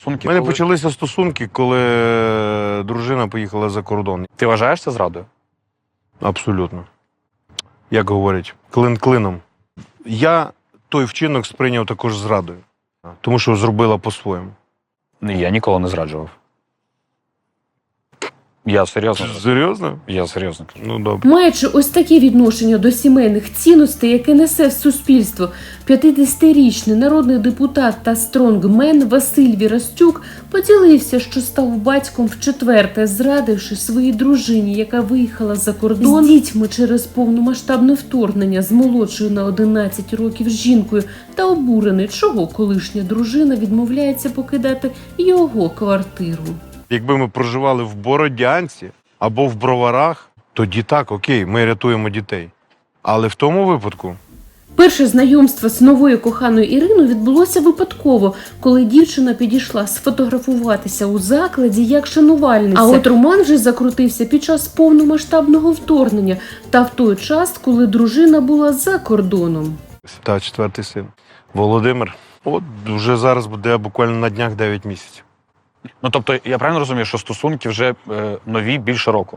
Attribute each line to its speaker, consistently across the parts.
Speaker 1: У мене почалися стосунки, коли дружина поїхала за кордон.
Speaker 2: Ти вважаєш це зрадою?
Speaker 1: Абсолютно. Як говорять, клин клином. Я той вчинок сприйняв також зрадою, тому що зробила по-своєму.
Speaker 2: Я ніколи не зраджував. Я серйозно.
Speaker 1: Серйозно?
Speaker 2: Я серйозно кажу.
Speaker 1: Ну, добре.
Speaker 3: Маючи ось таке відношення до сімейних цінностей, яке несе в суспільство, 50-річний народний депутат та стронгмен Василь Вірастюк поділився, що став батьком вчетверте, зрадивши своїй дружині, яка виїхала за кордон з дітьми через повномасштабне вторгнення з молодшою на 11 років жінкою, та обурений, чого колишня дружина відмовляється покидати його квартиру.
Speaker 1: Якби ми проживали в Бородянці або в Броварах, тоді так, окей, ми рятуємо дітей. Але в тому випадку...
Speaker 3: Перше знайомство з новою коханою Іриною відбулося випадково, коли дівчина підійшла сфотографуватися у закладі як шанувальниця. А от роман вже закрутився під час повномасштабного вторгнення та в той час, коли дружина була за кордоном.
Speaker 1: Та четвертий син. Володимир. От вже зараз буде буквально на днях 9 місяців.
Speaker 2: Ну, тобто, я правильно розумію, що стосунки вже нові більше року?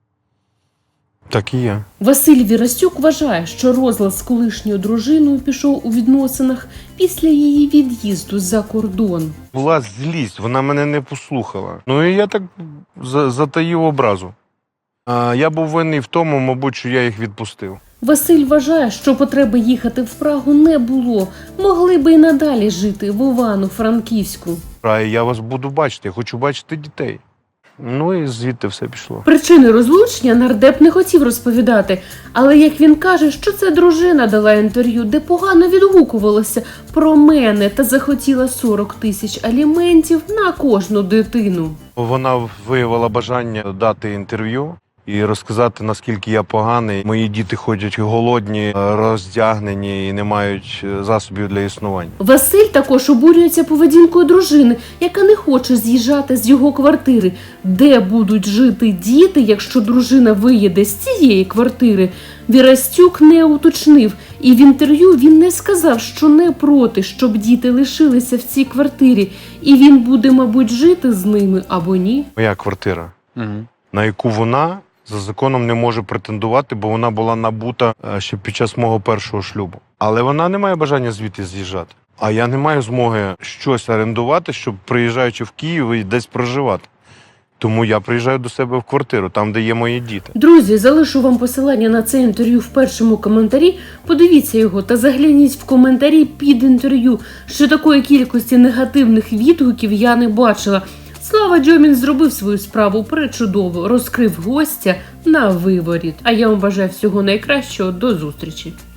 Speaker 1: Так і є.
Speaker 3: Василь Вірастюк вважає, що розлад з колишньою дружиною пішов у відносинах після її від'їзду за кордон.
Speaker 1: Була злість, вона мене не послухала. Ну і я так затаїв образу. Я був винний в тому, мабуть, що я їх відпустив.
Speaker 3: Василь вважає, що потреби їхати в Прагу не було. Могли би й надалі жити в Івано-Франківську.
Speaker 1: А я вас буду бачити, я хочу бачити дітей. Ну і звідти все пішло.
Speaker 3: Причини розлучення нардеп не хотів розповідати, але як він каже, що це дружина дала інтерв'ю, де погано відгукувалася про мене та захотіла 40 тисяч аліментів на кожну дитину.
Speaker 1: Вона виявила бажання дати інтерв'ю і розказати, наскільки я поганий. Мої діти ходять голодні, роздягнені і не мають засобів для існування.
Speaker 3: Василь також обурюється поведінкою дружини, яка не хоче з'їжджати з його квартири. Де будуть жити діти, якщо дружина виїде з цієї квартири? Вірастюк не уточнив, і в інтерв'ю він не сказав, що не проти, щоб діти лишилися в цій квартирі, і він буде, мабуть, жити з ними або ні.
Speaker 1: Моя квартира,
Speaker 2: Угу.
Speaker 1: на яку вона за законом не може претендувати, бо вона була набута ще під час мого першого шлюбу. Але вона не має бажання звідти з'їжджати. А я не маю змоги щось орендувати, щоб, приїжджаючи в Київ, і десь проживати. Тому я приїжджаю до себе в квартиру, там, де є мої діти.
Speaker 3: Друзі, залишу вам посилання на це інтерв'ю в першому коментарі. Подивіться його та загляніть в коментарі під інтерв'ю, що такої кількості негативних відгуків я не бачила. Слава Дьомін зробив свою справу пречудово, розкрив гостя на виворіт. А я вам бажаю всього найкращого, до зустрічі.